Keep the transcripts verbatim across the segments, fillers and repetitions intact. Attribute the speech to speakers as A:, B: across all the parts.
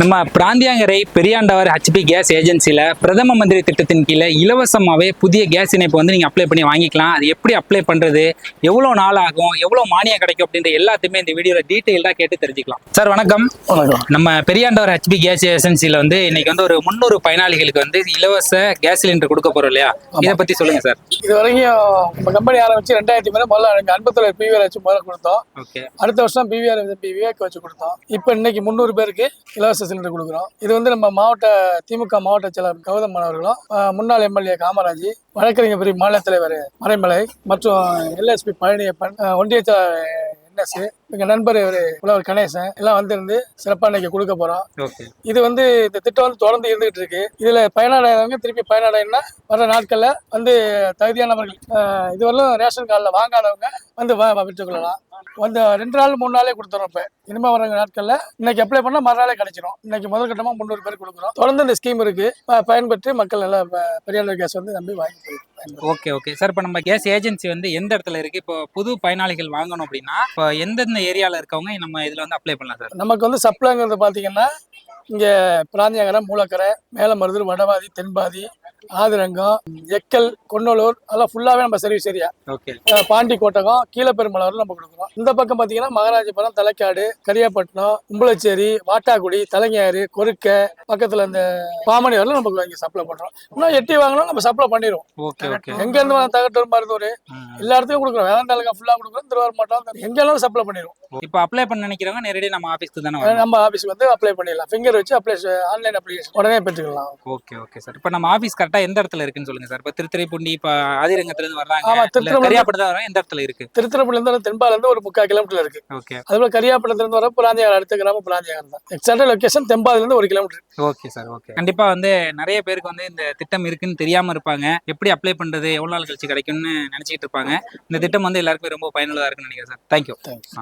A: நம்ம பிராந்தியங்கரை Periyandavar HP gas ஏஜென்சியில் பிரதம மந்திரி திட்டத்தின் கீழே இலவசமாகவே புதிய கேஸ் இணைப்பு வந்து நீங்கள் அப்ளை பண்ணி வாங்கிக்கலாம். அது எப்படி அப்ளை பண்ணுறது, எவ்வளோ நாள் ஆகும், எவ்வளோ மானியம் கிடைக்கும் அப்படின்ற எல்லாத்தையுமே இந்த வீடியோவில் டீட்டெயிலாக கேட்டு தெரிஞ்சுக்கலாம். சார் வணக்கம்.
B: வணக்கம்.
A: நம்ம பெரியாண்டவர் ஹெச்பி கேஸ் ஏஜென்சியில் வந்து இன்னைக்கு வந்து ஒரு முந்நூறு பயனாளிகளுக்கு வந்து இலவச கேஸ் சிலிண்டர் கொடுக்க போகிறோம் இல்லையா? இதை பற்றி சொல்லுங்கள் சார்.
B: இது வரைக்கும் நம்ம கம்பெனி ஆரம்பிச்சு ரெண்டாயிரத்தி மேலே முதல்ல எனக்கு அன்பத்தில் பிவிஆர் வச்சு முதல்ல கொடுத்தோம்.
A: ஓகே.
B: அடுத்த வருஷம் பிவிஆர் விவேக் வச்சு கொடுத்தோம். இப்போ இன்னைக்கு முந்நூறு பேருக்கு இலவச சிலிண்டர் கொடுக்குறோம். இது வந்து நம்ம மாவட்ட திமுக மாவட்ட செயலர் கௌதம் அவர்களும், முன்னாள் எம்எல்ஏ காமராஜ், வழக்கறிஞர் பிரிவு மாநில தலைவர் மறைமலை மற்றும் எல்எஸ்பி பழனியப்பன், ஒன்றிய செயலர் என்எஸ், எங்க நண்பர் புலவர் கணேசன் எல்லாம் வந்திருந்து சிறப்பா இன்னைக்கு கொடுக்க போறோம். இது வந்து இந்த திட்டம் வந்து தொடர்ந்து இருந்துகிட்டு இருக்கு. இதுல பயனடைறவங்க திருப்பி பயனடைனா வர நாட்கள்ல வந்து தகுதியானவர்கள் இதுவரையும் ரேஷன் கார்டில் வாங்காதவங்க வந்து பெற்றுக்கொள்ளலாம். வந்து ரெண்டு நாள் மூணு நாளே கொடுத்துறோம். இப்ப இனிமே வர நாட்கள்ல இன்னைக்கு அப்ளை பண்ணா மறுநாளே கிடைச்சிடும். இன்னைக்கு முதல் கட்டமா முந்நூறு பேர் கொடுக்குறோம். தொடர்ந்து இந்த ஸ்கீம் இருக்கு. பயன்பெற்று மக்கள் நல்லா பெரியாண்டவர் கேஸ் வந்து நம்பி வாங்கி.
A: Okay okay sir. இப்போ நம்ம கேஸ் ஏஜென்சி வந்து எந்த இடத்துல இருக்கு? இப்போ புது பயனாளிகள் வாங்கணும் அப்படின்னா இப்போ எந்தெந்த ஏரியாவில் இருக்கவங்க நம்ம இதில் வந்து அப்ளை பண்ணலாம் சார்?
B: நமக்கு வந்து சப்ளைங்கிறது பார்த்தீங்கன்னா இங்கே பிராந்தியங்கரை, மூலக்கரை, மேலமருதூர், வடவாதி, தென்பாதி, ஆதிரங்கம், எக்கல், கொன்னலூர் அதெல்லாம் ஃபுல்லாகவே நம்ம service area.
A: Okay.
B: Pandi Kottagam, Keezhaperumalur நம்ம கொடுக்குறோம். இந்த பக்கம் பார்த்தீங்கன்னா மகாராஜபுரம், தலைக்காடு, கரியாப்பட்டினம், கும்பலச்சேரி, வாட்டாக்குடி, தலைஞாறு, கொருக்க பக்கத்தில் இந்த பாமணி வரலாம் நமக்கு இங்கே சப்ளை பண்ணுறோம். இன்னும் எட்டி வாங்கினா நம்ம சப்ளை பண்ணிடுவோம்.
A: Okay okay.
B: எங்கேருந்து வாங்க தகட்டூர், மருதூர் எல்லா இடத்துக்கும் கொடுக்குறோம். வேளாண்மை ஃபுல்லாக கொடுக்குறோம். திருவாரூர் மாவட்டம் எங்கெல்லாம் சப்ளை பண்ணிடுவோம்.
A: இப்போ அப்ளை பண்ண நினைக்கிறவங்க நேரடியாக நம்ம ஆஃபீஸ்க்கு தானே
B: நம்ம ஆஃபீஸ்க்கு வந்து அப்ளை பண்ணிடலாம். ஃபிங்கர் வச்சு அப்ளை ஆன்லைன் அப்ளிகேஷன் உடனே பெற்றுக்கலாம்.
A: Okay okay sir. இப்போ நம்ம ஆஃபீஸ் கரெக்டாக எந்த இடத்துல இருக்குன்னு சொல்லுங்க சார். இப்போ திருத்துறைப்பூண்டி, இப்போ ஆதிரங்கத்துலேருந்து வர்றாங்க.
B: ஆமா,
A: கரியாப்பட்டம் வர எந்த இடத்துல இருக்கு?
B: திருத்துறைப்பூண்டிலேருந்து தென்பாலேருந்து ஒரு முக்கால் கிலோமீட்டர் இருக்கு.
A: ஓகே.
B: அதுபோல கரியாப்பட்டத்துலேருந்து வர பிராந்தியார் அடுத்த கிராமம் பிராந்தியார் தான். எக்ஸாக்ட் லொகேஷன் தென்பாலேருந்து ஒரு கிலோமீட்டர்.
A: Okay sir. ஓகே. கண்டிப்பா வந்து நிறைய பேருக்கு வந்து இந்த திட்டம் இருக்குன்னு தெரியாம இருப்பாங்க. எப்படி அப்ளை பண்றது, எவ்வளவு நாள் கழிச்சு கிடைக்கும்னு நினைச்சிட்டு இருப்பாங்க. இந்த திட்டம் வந்து எல்லாருக்குமே ரொம்ப பயனுள்ளதா இருக்குன்னு நினைக்கிறேன் சார். தேங்க்யூ.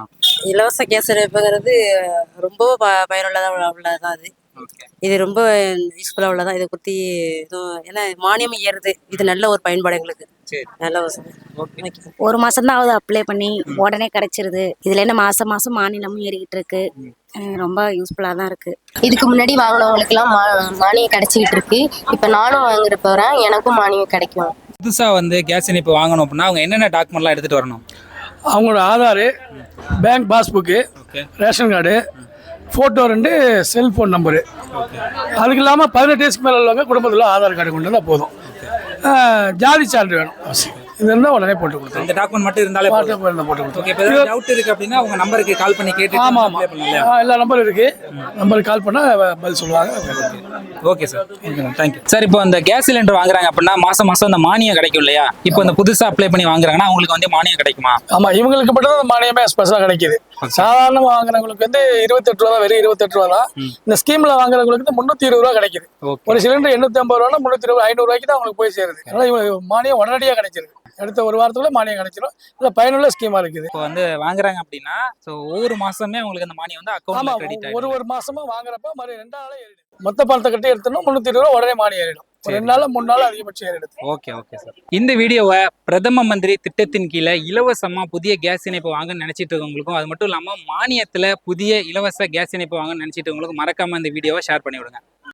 C: இலவச கேஸ் இணைப்புங்கிறது ரொம்ப பயனுள்ளதாக உள்ளதான். அது இது ரொம்ப யூஸ்ஃபுல்லாக உள்ளதான். இதை பற்றி இதுவும் ஏன்னா மானியம் ஏறுது. இது நல்ல ஒரு பயன்பாடு எங்களுக்கு. நல்ல
D: ஒரு மாசம் தான் ஆகுது அப்ளை பண்ணி, உடனே கிடைச்சிருது. இதுல என்ன மாசம் மாசம் மானியமும் ஏறிக்கிட்டு இருக்கு. ரொம்ப யூஸ்ஃபுல்லா தான் இருக்கு.
E: இதுக்கு முன்னாடி வாங்கினவங்களுக்கு எல்லாம் மானியம் கிடைச்சிக்கிட்டு இருக்கு. இப்ப நானும் வாங்குற போறேன், எனக்கும் மானியம் கிடைக்கும்.
A: புதுசா வந்து கேஸ் இணைப்பு வாங்கணும் அப்படின்னா அவங்க என்னென்ன டாக்குமெண்ட்லாம் எடுத்துட்டு வரணும்?
B: அவங்களோட Aadhaar, bank passbook, ration card, photo, ரெண்டு செல்ஃபோன் நம்பரு. அதுக்கு இல்லாமல் பதினெட்டு வயசுக்கு மேலே உள்ளவங்க குடும்பத்தில் ஆதார் கார்டு கொண்டு வந்தால் போதும். ஜாதி சான்று வேணும் அவசியம். இது இருந்தால் உடனே போட்டு கொடுத்தோம்.
A: இந்த டாக்குமெண்ட் மட்டும் இருந்தாலே போட்டு கொடுத்தோம். ஓகே. இப்போ ஏதாவது டவுட் இருக்கு அப்படின்னா உங்க நம்பருக்கு கால் பண்ணி கேட்டு.
B: ஆமாம் ஆமாம், எல்லா நம்பரும் இருக்கு. நம்பருக்கு கால் பண்ணால் பதில் சொல்லுவாங்க.
A: Okay sir. Okay thank you sir. இப்போ இந்த கேஸ் சிலிண்டர் வாங்குறாங்க அப்படின்னா மாசம் மாசம் அந்த மானியம் கிடைக்கும் இல்லையா? இப்போ இந்த புதுசா அப்ளை பண்ணி வாங்குறாங்கன்னா அவங்களுக்கு வந்து மானியம் கிடைக்குமா?
B: ஆமாம், இவங்களுக்கு மட்டும் தான் மானியமே ஸ்பெஷலாக கிடைக்குது. சாதாரண வாங்குறவங்களுக்கு வந்து இருபத்தெட்டு ரூபா தான், வெறும் இருபத்தெட்டு ரூபா தான். இந்த ஸ்கீம்ல வாங்குறவங்களுக்கு வந்து முன்னூத்தி இருபது ரூபா கிடைக்குது. ஒரு சிலிண்டர் எண்ணூத்தி ஐம்பது ரூபா, முன்னூத்தி இருபது ஐநூறு ரூபாய்க்கு தான் அவங்களுக்கு போய் சேருது. அதனால இவங்க மானியம் உடனடியாக கிடைச்சிருக்கு. அடுத்த ஒரு வாரத்துக்குள்ள மானியம் கிடைச்சிடும். இல்லை பயனுள்ள ஸ்கீமா இருக்குது.
A: இப்போ வந்து வாங்குறாங்க அப்படின்னா ஒவ்வொரு மாசமே அவங்களுக்கு அந்த மானியம் வந்து அக்கௌண்ட்ல கிரெடிட் ஆகும்.
B: ஒரு ஒரு மாசமா வாங்குறப்ப மறு ரெண்டாம் நாளே ஏறிடும். மொத்த பணத்தை கட்டி எடுத்தோம்னா முன்னூத்தி இருபது ரூபா உடனே மானியம் ஏறிடும். ரெண்டு நாள் மூணு நாள் அதிகபட்சம் ஏறிடுது.
A: Okay okay sir. இந்த வீடியோவை பிரதம மந்திரி திட்டத்தின் கீழே இலவசமா புதிய கேஸ் இணைப்பு வாங்கன்னு நினைச்சிட்டு இருக்கவங்களுக்கும், அது மட்டும் இல்லாம மானியத்துல புதிய இலவச கேஸ் இணைப்பு வாங்கன்னு நினைச்சிட்டு இருக்கவங்களுக்கும் மறக்காம இந்த வீடியோவை ஷேர் பண்ணி விடுங்க.